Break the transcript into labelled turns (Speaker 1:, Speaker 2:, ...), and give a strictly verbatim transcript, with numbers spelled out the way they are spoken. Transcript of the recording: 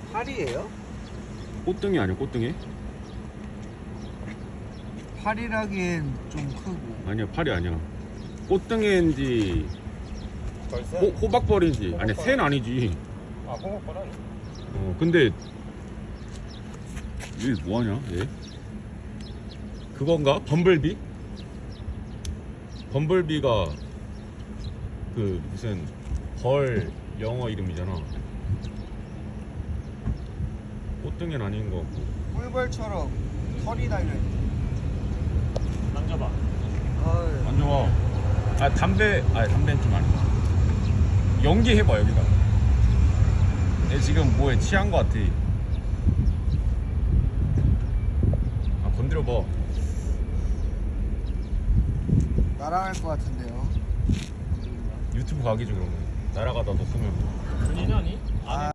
Speaker 1: 팔이에요?
Speaker 2: 꽃등이 아니야 꽃등이?
Speaker 1: 팔이라기엔 좀 크고.
Speaker 2: 아니야 팔이 아니야. 꽃등인지
Speaker 3: 벌써?
Speaker 2: 호, 호박벌인지 아니 새는 아니지.
Speaker 3: 아, 호박벌 아니?
Speaker 2: 어 근데 얘 뭐하냐 얘? 그건가? 범블비? 범블비가 그 무슨 벌 영어 이름이잖아. 꽃등이는 아닌 거 같고.
Speaker 1: 꿀벌처럼 털이 달려있네.
Speaker 3: 만져봐.
Speaker 1: 아유.
Speaker 2: 안 좋아. 아 담배 아니 담배는 좀 아니다. 연기해봐 여기다. 얘 지금 뭐에 취한 거 같아. 아 건드려봐.
Speaker 1: 날아갈 것 같은데요.
Speaker 2: 유튜브 가기죠 그러면. 날아가다 너 쓰면.
Speaker 3: 본인 아니?
Speaker 1: 아.